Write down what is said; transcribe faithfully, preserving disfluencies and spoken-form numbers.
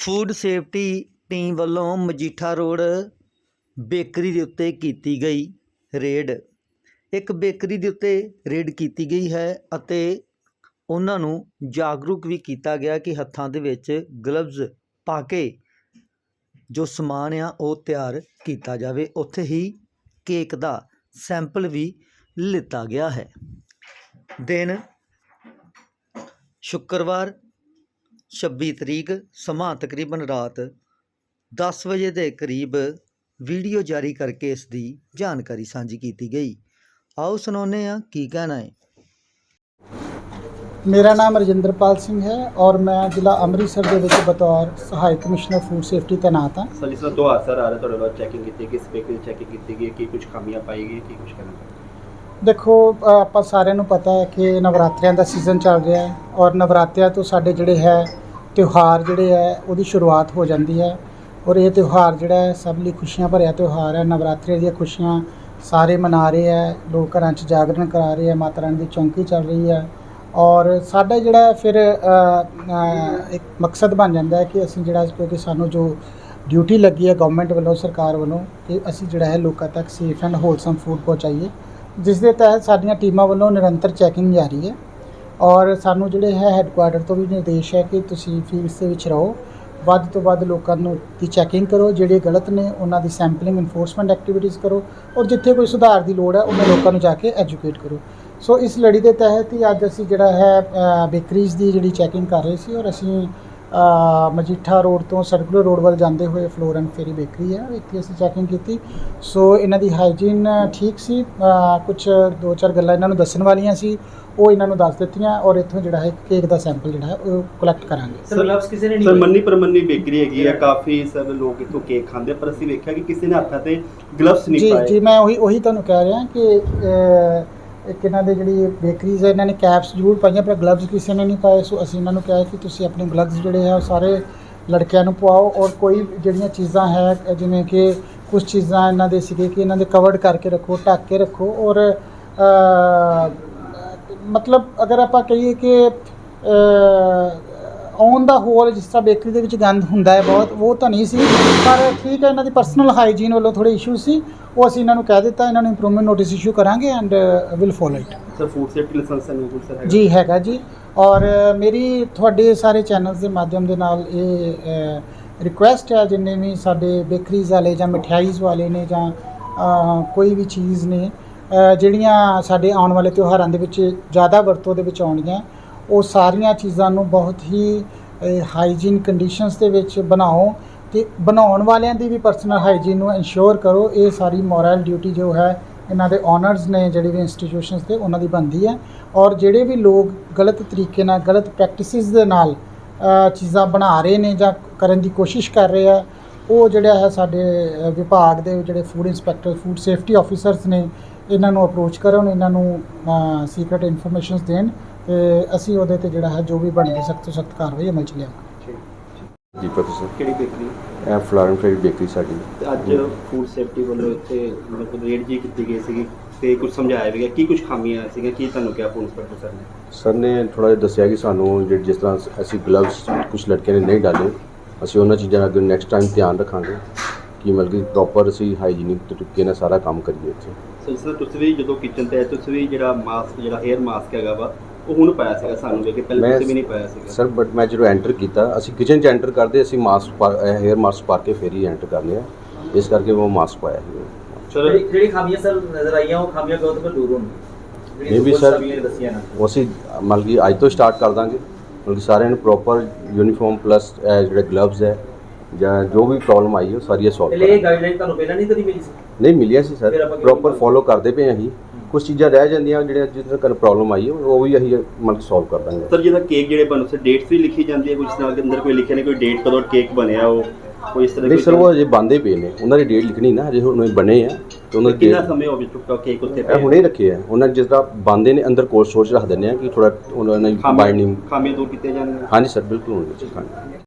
Food safety team वालों Majitha road bakery के उत्ते कीती गई रेड। एक बेकरी के उत्ते रेड की गई है अते उन्हां नूं जागरूक भी किया गया कि हत्थां दे विच ग्लव्स पा के जो समान आ वो तैयार किया जाए। उत्थे ही केक का सैंपल भी लिता गया है। दिन शुक्रवार छब्बी तरीक समा तकरीबन रात दस बजे के करीब वीडियो जारी करके इसकी जानकारी साझी की गई। आओ सुनाने आ की कहना है। मेरा नाम रजिंदरपाल सिंह है और मैं जिला अमृतसर के विच बतौर सहायक कमिश्नर फूड सेफ्टी तैनात हाँ। सर जिस दो हादसा आ रहा थोड़े बहुत चैकिंग की किस बेकरी चैकिंग की गई कि कुछ खामियां पाई गई कि कुछ करना। देखो ਆਪਾਂ ਸਾਰਿਆਂ ਨੂੰ ਪਤਾ ਹੈ ਕਿ ਨਵਰਾਤਰਿਆਂ ਦਾ ਸੀਜ਼ਨ ਚੱਲ ਰਿਹਾ ਹੈ ਔਰ ਨਵਰਾਤਰਿਆਂ ਤੋਂ ਸਾਡੇ ਜਿਹੜੇ ਹੈ ਤਿਉਹਾਰ ਜਿਹੜੇ ਹੈ ਉਹਦੀ ਸ਼ੁਰੂਆਤ ਹੋ ਜਾਂਦੀ ਹੈ ਔਰ ਇਹ ਤਿਉਹਾਰ ਜਿਹੜਾ ਹੈ ਸਭ ਲਈ ਖੁਸ਼ੀਆਂ ਭਰਿਆ ਤਿਉਹਾਰ ਹੈ। ਨਵਰਾਤਰੇ ਦੀਆਂ ਖੁਸ਼ੀਆਂ ਸਾਰੇ ਮਨਾ ਰਹੇ ਹੈ, ਲੋਕ ਘਰਾਂ 'ਚ ਜਾਗਰਣ ਕਰਾ ਰਹੇ ਹੈ, ਮਾਤਾ ਰਾਣੀ ਦੀ ਚੌਂਕੀ ਚੱਲ ਰਹੀ ਹੈ ਔਰ ਸਾਡਾ ਜਿਹੜਾ ਫਿਰ ਇੱਕ ਮਕਸਦ ਬਣ ਜਾਂਦਾ ਹੈ ਕਿ ਅਸੀਂ ਜਿਹੜਾ ਕਿਉਂਕਿ ਸਾਨੂੰ ਜੋ ਡਿਊਟੀ ਲੱਗੀ ਹੈ ਗਵਰਨਮੈਂਟ ਵੱਲੋਂ ਸਰਕਾਰ ਵੱਲੋਂ ਕਿ ਅਸੀਂ ਜਿਹੜਾ ਹੈ ਲੋਕਾਂ ਤੱਕ ਸੇਫ ਐਂਡ ਹੋਲਸਮ ਫੂਡ ਪਹੁੰਚਾਈਏ, ਜਿਸ ਦੇ ਤਹਿਤ ਸਾਡੀਆਂ ਟੀਮਾਂ ਵੱਲੋਂ ਨਿਰੰਤਰ ਚੈਕਿੰਗ ਜਾਰੀ ਹੈ ਔਰ ਸਾਨੂੰ ਜਿਹੜੇ ਹੈ ਹੈੱਡਕੁਆਟਰ ਤੋਂ ਵੀ ਨਿਰਦੇਸ਼ ਹੈ ਕਿ ਤੁਸੀਂ ਫੀਲਡਸ ਦੇ ਵਿੱਚ ਰਹੋ, ਵੱਧ ਤੋਂ ਵੱਧ ਲੋਕਾਂ ਨੂੰ ਦੀ ਚੈਕਿੰਗ ਕਰੋ, ਜਿਹੜੇ ਗਲਤ ਨੇ ਉਹਨਾਂ ਦੀ ਸੈਂਪਲਿੰਗ ਇਨਫੋਰਸਮੈਂਟ ਐਕਟੀਵਿਟੀਜ਼ ਕਰੋ ਔਰ ਜਿੱਥੇ ਕੋਈ ਸੁਧਾਰ ਦੀ ਲੋੜ ਹੈ ਉਹਨਾਂ ਲੋਕਾਂ ਨੂੰ ਜਾ ਕੇ ਐਜੂਕੇਟ ਕਰੋ। ਸੋ ਇਸ ਲੜੀ ਦੇ ਤਹਿਤ ਹੀ ਅੱਜ ਅਸੀਂ ਜਿਹੜਾ ਹੈ ਬੇਕਰੀਜ਼ ਦੀ ਜਿਹੜੀ ਚੈਕਿੰਗ ਕਰ ਰਹੇ ਸੀ ਔਰ ਅਸੀਂ ਮਜੀਠਾ ਰੋਡ ਤੋਂ ਸਰਕੂਲਰ ਰੋਡ ਵੱਲ ਜਾਂਦੇ ਹੋਏ ਫਲੋਰ ਐਂਡ ਫੇਰੀ ਬੇਕਰੀ ਹੈ ਇੱਥੇ ਅਸੀਂ ਚੈਕਿੰਗ ਕੀਤੀ। ਸੋ ਇਹਨਾਂ ਦੀ ਹਾਈਜੀਨ ਠੀਕ ਸੀ, ਕੁਛ ਦੋ ਚਾਰ ਗੱਲਾਂ ਇਹਨਾਂ ਨੂੰ ਦੱਸਣ ਵਾਲੀਆਂ ਸੀ ਉਹ ਇਹਨਾਂ ਨੂੰ ਦੱਸ ਦਿੱਤੀਆਂ ਔਰ ਇੱਥੋਂ ਜਿਹੜਾ ਹੈ ਕੇਕ ਦਾ ਸੈਂਪਲ ਜਿਹੜਾ ਹੈ ਉਹ ਕਲੈਕਟ ਕਰਾਂਗੇ। ਸਰ ਗਲਵਸ ਕਿਸੇ ਨੇ ਨਹੀਂ ਸਰ ਮੰਨੀ ਪਰਮੰਨੀ ਬੇਕਰੀ ਹੈਗੀ ਹੈ, ਕਾਫੀ ਸਭ ਲੋਕ ਇੱਥੋਂ ਕੇਕ ਖਾਂਦੇ ਪਰ ਅਸੀਂ ਵੇਖਿਆ ਕਿ ਕਿਸੇ ਨੇ ਹੱਥਾਂ ਤੇ ਗਲਵਸ ਨਹੀਂ ਪਾਏ। ਜੀ ਜੀ ਮੈਂ ਉਹੀ ਉਹੀ ਤੁਹਾਨੂੰ ਕਹਿ ਰਿਹਾ ਕਿ ਇੱਕ ਇਹਨਾਂ ਦੇ ਜਿਹੜੀ ਬੇਕਰੀਜ਼ ਹੈ ਇਹਨਾਂ ਨੇ ਕੈਪਸ ਜ਼ਰੂਰ ਪਾਈਆਂ ਪਰ ਗਲਵਜ਼ ਕਿਸੇ ਨੇ ਨਹੀਂ ਪਾਏ। ਸੋ ਅਸੀਂ ਇਹਨਾਂ ਨੂੰ ਕਿਹਾ ਕਿ ਤੁਸੀਂ ਆਪਣੇ ਗਲਵਜ਼ ਜਿਹੜੇ ਹੈ ਉਹ ਸਾਰੇ ਲੜਕਿਆਂ ਨੂੰ ਪਵਾਓ ਔਰ ਕੋਈ ਜਿਹੜੀਆਂ ਚੀਜ਼ਾਂ ਹੈ ਜਿਵੇਂ ਕਿ ਕੁਝ ਚੀਜ਼ਾਂ ਇਹਨਾਂ ਦੇ ਸੀਗੇ ਕਿ ਇਹਨਾਂ ਦੇ ਕਵਰਡ ਕਰਕੇ ਰੱਖੋ, ਢੱਕ ਕੇ ਰੱਖੋ ਔਰ ਮਤਲਬ ਅਗਰ ਆਪਾਂ ਕਹੀਏ ਕਿ ਔਨ ਦਾ ਹੋਲ ਜਿਸ ਤਰ੍ਹਾਂ ਬੇਕਰੀ ਦੇ ਵਿੱਚ ਗੰਦ ਹੁੰਦਾ ਹੈ ਬਹੁਤ, ਉਹ ਤਾਂ ਨਹੀਂ ਸੀ ਪਰ ਠੀਕ ਹੈ ਇਹਨਾਂ ਦੀ ਪਰਸਨਲ ਹਾਈਜੀਨ ਵੱਲੋਂ ਥੋੜ੍ਹੇ ਇਸ਼ੂ ਸੀ ਉਹ ਅਸੀਂ ਇਹਨਾਂ ਨੂੰ ਕਹਿ ਦਿੱਤਾ, ਇਹਨਾਂ ਨੂੰ ਇੰਪਰੂਵਮੈਂਟ ਨੋਟਿਸ ਇਸ਼ੂ ਕਰਾਂਗੇ and will follow it. Sir food safety license ਹੈ ਜੀ ਹੈਗਾ ਜੀ ਔਰ ਮੇਰੀ ਤੁਹਾਡੇ ਸਾਰੇ ਚੈਨਲਸ ਦੇ ਮਾਧਿਅਮ ਦੇ ਨਾਲ ਇਹ ਰਿਕੁਐਸਟ ਹੈ ਜਿੰਨੇ ਵੀ ਸਾਡੇ ਬੇਕਰੀਜ਼ ਵਾਲੇ ਜਾਂ ਮਠਿਆਈਜ਼ ਵਾਲੇ ਨੇ ਜਾਂ ਕੋਈ ਵੀ ਚੀਜ਼ ਨੇ ਜਿਹੜੀਆਂ ਸਾਡੇ ਆਉਣ ਵਾਲੇ ਤਿਉਹਾਰਾਂ ਦੇ ਵਿੱਚ ਜ਼ਿਆਦਾ ਵਰਤੋਂ ਦੇ ਵਿੱਚ ਆਉਣੀਆਂ ਉਹ ਸਾਰੀਆਂ ਚੀਜ਼ਾਂ ਨੂੰ ਬਹੁਤ ਹੀ ਹਾਈਜੀਨ ਕੰਡੀਸ਼ਨਸ ਦੇ ਵਿੱਚ ਬਣਾਓ ਅਤੇ ਬਣਾਉਣ ਵਾਲਿਆਂ ਦੀ ਵੀ ਪਰਸਨਲ ਹਾਈਜੀਨ ਨੂੰ ਇਨਸ਼ੋਰ ਕਰੋ। ਇਹ ਸਾਰੀ ਮੋਰਲ ਡਿਊਟੀ ਜੋ ਹੈ ਇਹਨਾਂ ਦੇ ਓਨਰਸ ਨੇ ਜਿਹੜੇ ਵੀ ਇੰਸਟੀਟਿਊਸ਼ਨਸ ਤੇ ਉਹਨਾਂ ਦੀ ਬਣਦੀ ਹੈ ਔਰ ਜਿਹੜੇ ਵੀ ਲੋਕ ਗਲਤ ਤਰੀਕੇ ਨਾਲ ਗਲਤ ਪ੍ਰੈਕਟਿਸਿਸ ਦੇ ਨਾਲ ਚੀਜ਼ਾਂ ਬਣਾ ਰਹੇ ਨੇ ਜਾਂ ਕਰਨ ਦੀ ਕੋਸ਼ਿਸ਼ ਕਰ ਰਹੇ ਆ ਉਹ ਜਿਹੜਾ ਹੈ ਸਾਡੇ ਵਿਭਾਗ ਦੇ ਜਿਹੜੇ food inspector food safety officers ਨੇ ਇਹਨਾਂ ਨੂੰ ਅਪਰੋਚ ਕਰਨ, ਇਹਨਾਂ ਨੂੰ ਸੀਕ੍ਰੇਟ ਇਨਫੋਰਮੇਸ਼ਨਸ ਦੇਣ ਤੇ ਅਸੀਂ ਉਹਦੇ ਤੇ ਜਿਹੜਾ ਹੈ ਜੋ ਵੀ ਬਣਦੀ ਸਖਤ ਤੋਂ ਸਖਤ ਕਾਰਵਾਈ ਅਮਲ 'ਚ ਲਿਆਵਾਂਗੇ। ਦੀਪਕ ਸਰ ਕਿਹੜੀ ਬੇਕਰੀ? ਇਹ ਫਲੋਰਨ ਫੇਰੀ ਬੇਕਰੀ ਸਾਡੀ। ਅੱਜ ਫੂਡ ਸੇਫਟੀ ਵੱਲੋਂ ਇੱਥੇ ਮਤਲਬ ਰੇਡ ਜੀ ਕੀਤੀ ਗਈ ਸੀਗੀ ਤੇ ਕੁਝ ਸਮਝਾਇਆ ਵੀ ਗਿਆ ਕੀ ਕੁਝ ਖਾਮੀਆਂ ਸੀਗੀਆਂ, ਕੀ ਤੁਹਾਨੂੰ ਕਿਹਾ ਫੂਡ ਇੰਸਪੈਕਟਰ ਸਰ ਨੇ? ਸਰ ਨੇ ਥੋੜ੍ਹਾ ਜਿਹਾ ਦੱਸਿਆ ਕਿ ਸਾਨੂੰ ਜਿਹੜੇ ਜਿਸ ਤਰ੍ਹਾਂ ਅਸੀਂ ਗਲਵਸ ਕੁਝ ਲੜਕੇ ਨੇ ਨਹੀਂ ਡਾਲੇ ਅਸੀਂ ਉਹਨਾਂ ਚੀਜ਼ਾਂ ਦਾ ਅੱਗੇ ਨੈਕਸਟ ਟਾਈਮ ਧਿਆਨ ਰੱਖਾਂਗੇ ਕਿ ਮਤਲਬ ਕਿ ਪ੍ਰੋਪਰ ਅਸੀਂ ਹਾਈਜੀਨਿਕ ਤਰੀਕੇ ਨਾਲ ਸਾਰਾ ਕੰਮ ਕਰੀਏ ਇੱਥੇ। ਸਰ ਸਰ ਤੁਸੀਂ ਵੀ ਜਦੋਂ ਕਿਚਨ ਤੇ ਆਏ ਤੁਸੀਂ ਵੀ ਜਿਹੜਾ ਮਾਸਕ ਜਿਹੜਾ 에ਅਰ ਮਾਸਕ ਹੈਗਾ ਵਾ ਉਹ ਹੁਣ ਪਾਇਆ ਸੀਗਾ ਸਾਨੂੰ ਵੇਖ ਕੇ ਪਹਿਲਾਂ ਤੁਸੀਂ ਵੀ ਨਹੀਂ ਪਾਇਆ ਸੀਗਾ ਸਰ। ਬਟ ਮੈਂ ਜਦੋਂ ਐਂਟਰ ਕੀਤਾ ਅਸੀਂ ਕਿਚਨ 'ਚ ਐਂਟਰ ਕਰਦੇ ਅਸੀਂ ਮਾਸਕ 에ਅਰ ਮਾਸਕ ਪਾ ਕੇ ਫਿਰ ਹੀ ਐਂਟਰ ਕਰਨੇ ਆ, ਇਸ ਕਰਕੇ ਉਹ ਮਾਸਕ ਪਾਇਆ ਸੀ। ਚਲੋ ਜਿਹੜੀ ਖਾਮੀਆਂ ਸਰ ਨਜ਼ਰ ਆਈਆਂ ਉਹ ਖਾਮੀਆਂ ਕਦੋਂ ਤੱਕ ਦੂਰ ਹੋਣਗੀਆਂ? ਇਹ ਵੀ ਸਰ ਉਹ ਅਸੀਂ ਮਤਲਬ ਕਿ ਅੱਜ ਤੋਂ ਸਟਾਰਟ ਕਰ ਦਾਂਗੇ, ਮਤਲਬ ਕਿ ਸਾਰਿਆਂ ਨੂੰ ਪ੍ਰੋਪਰ ਯੂਨੀਫਾਰਮ ਪਲੱਸ ਜਿਹੜੇ ਗਲਵਜ਼ ਹੈ ਜਾਂ ਜੋ ਵੀ ਪ੍ਰੋਬਲਮ ਆਈ ਉਹ ਸਾਰੀਆਂ ਸੋਲਵ ਕਰਾਂਗੇ। ਇਹ ਗਾਈਡਲਾਈਨ ਤੁਹਾਨੂੰ ਪਹਿਲਾਂ ਨਹੀਂ ਕਦੀ ਮਿਲੀ ਸੀ? ਨਹੀਂ ਮਿਲਿਆ ਸੀ ਸਰ, ਪ੍ਰੋਪਰ ਫੋਲੋ ਕਰਦੇ ਪਏ ਅਸੀਂ। ਕੁਝ ਚੀਜ਼ਾਂ ਰਹਿ ਜਾਂਦੀਆਂ ਜਿਹੜੀਆਂ ਜਿਸ ਤਰ੍ਹਾਂ ਪ੍ਰੋਬਲਮ ਆਈ ਉਹ ਵੀ ਅਸੀਂ ਮਤਲਬ ਸੋਲਵ ਕਰ ਦਾਂਗੇ। ਸਰ ਜਿਹਦਾ ਕੇਕ ਜਿਹੜੇ ਬਣ ਉਸੇ ਡੇਟਸ ਵੀ ਲਿਖੀ ਜਾਂਦੀ ਹੈ, ਕੁਝ ਨਾਲ ਦੇ ਅੰਦਰ ਕੋਈ ਲਿਖਿਆ ਨਹੀਂ ਕੋਈ ਡੇਟ ਕਦੋਂ ਕੇਕ ਬਣਿਆ ਉਹ ਕੋਈ ਇਸ ਤਰ੍ਹਾਂ ਨਹੀਂ ਸਰ, ਉਹ ਅਜੇ ਬੰਦੇ ਪਏ ਨੇ, ਉਹਨਾਂ ਦੀ ਡੇਟ ਲਿਖਣੀ ਨਾ, ਅਜੇ ਹੁਣ ਬਣੇ ਆ ਤੇ ਉਹਨਾਂ ਦੀ ਕਿੰਨਾ ਸਮੇਂ ਹੋ ਚੁੱਕਾ ਕੇਕ ਉੱਤੇ ਇਹ ਹੁਣੇ ਰੱਖੇ ਆ ਉਹਨਾਂ ਜਿਸ ਤਰ੍ਹਾਂ ਬੰਦੇ ਨੇ ਅੰਦਰ ਕੋਲਡ ਸਟੋਰੇਜ ਰੱਖ ਦਿੰਦੇ ਆ ਕਿ ਥੋੜਾ ਉਹਨਾਂ ਨੇ ਬਾਈਂਡਿੰਗ ਖਾਮੀਆਂ ਦੂਰ ਕੀਤੀਆਂ ਜਾਣਗੀਆਂ। ਹਾਂਜੀ ਸਰ ਬਿਲਕੁਲ ਹੋਣਗੇ।